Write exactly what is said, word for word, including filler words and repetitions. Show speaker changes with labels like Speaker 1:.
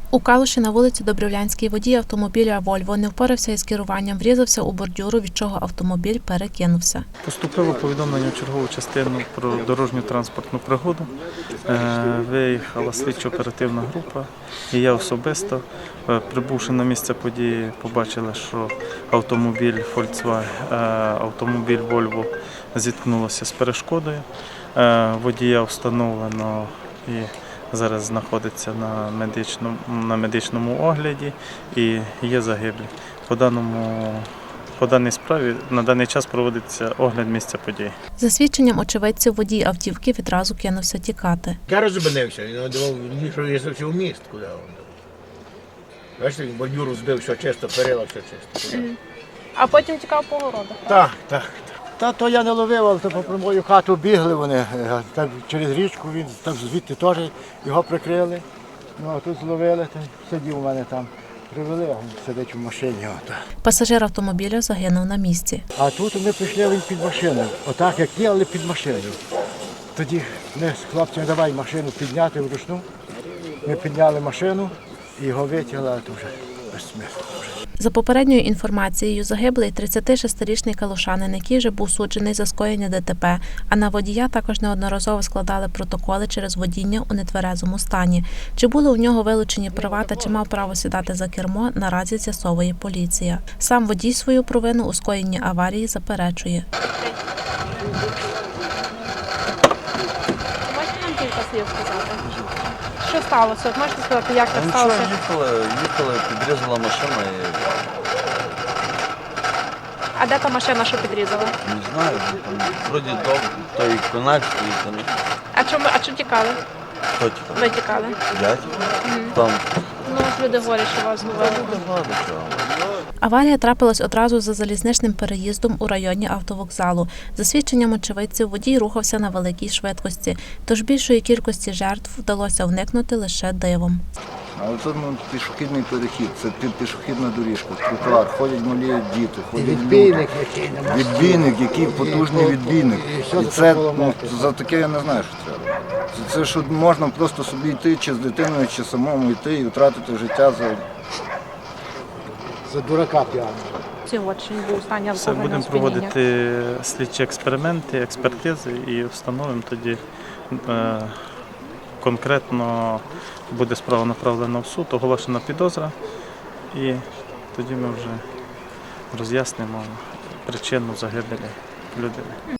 Speaker 1: У Калуші на вулиці Добрівлянській водій автомобіля «Вольво» не впорався із керуванням, врізався у бордюру, від чого автомобіль перекинувся.
Speaker 2: Поступило повідомлення в чергову частину про дорожню транспортну пригоду. Виїхала слідчо-оперативна група і я особисто, прибувши на місце події, побачили, що автомобіль Volkswagen, автомобіль «Вольво» зіткнулося з перешкодою. Водія встановлено і зараз знаходиться на медичному, на медичному огляді і є загиблі. По даному, по даній справі на даний час проводиться огляд місця події.
Speaker 1: За свідченням очевидців, водій автівки відразу кинувся тікати.
Speaker 3: Я розбинився, він думав, що в'їздився в міст, куди він. Бачите, він бордюру збив, все чисто, перила, все чисто.
Speaker 4: Mm. А потім тікав по городах?
Speaker 3: Так, так.
Speaker 5: Та то я не ловив, але то по мою хату бігли вони, так через річку, він там звідти теж його прикрили. Ну а тут зловили, та сидів у мене там, привели, а він сидить в машині. От.
Speaker 1: Пасажир автомобіля загинув на місці.
Speaker 5: А тут ми прийшли, він під машину, отак як є, але під машину. Тоді ми з хлопцями, давай машину підняти вручну. Ми підняли машину і його витягли, а то вже безсмисло.
Speaker 1: За попередньою інформацією, загиблий тридцятишестирічний калушанин, який вже був суджений за скоєння ДТП, а на водія також неодноразово складали протоколи через водіння у нетверезому стані. Чи були у нього вилучені права та чи мав право сідати за кермо, наразі з'ясовує поліція. Сам водій свою провину у скоєнні аварії заперечує.
Speaker 4: Можете нам кілька слів сказати? Що сталося? Можете сказати, як це
Speaker 6: Нічого,
Speaker 4: сталося?
Speaker 6: їхали, їхали, підрізала машина і
Speaker 4: А де та машина, що підрізала?
Speaker 6: не знаю, там вроді дом, той конець і там
Speaker 4: А чому, а чому тікали?
Speaker 6: хто типу,
Speaker 4: Ви тікали?
Speaker 6: п'ять, там
Speaker 4: Ну, ось люди говорять, що вас зловили.
Speaker 6: багато чого.
Speaker 1: Аварія трапилась одразу за залізничним переїздом у районі автовокзалу. За свідченням очевидців, водій рухався на великій швидкості, тож більшої кількості жертв вдалося уникнути лише дивом.
Speaker 7: Але тут ну, пішохідний перехід, це пішохідна доріжка, тротуар, ходять малі діти, ходять
Speaker 5: Відбійник,
Speaker 7: люди.
Speaker 5: який нема.
Speaker 7: Відбійник, який потужний відбійник.
Speaker 5: І все
Speaker 7: І
Speaker 5: це
Speaker 7: це,
Speaker 5: було
Speaker 7: ну,
Speaker 5: метро.
Speaker 7: за таке я не знаю, що треба. Це, це що можна просто собі йти, чи з дитиною, чи самому йти і втратити життя за...
Speaker 5: За дурака п'яного.
Speaker 4: Сьогодні був у стані
Speaker 2: Все,
Speaker 4: алкогольного
Speaker 2: будемо
Speaker 4: сп'яніння.
Speaker 2: проводити слідчі експерименти, експертизи і встановимо тоді е, конкретно буде справа направлена в суд, оголошена підозра і тоді ми вже роз'яснимо причину загибелі людини.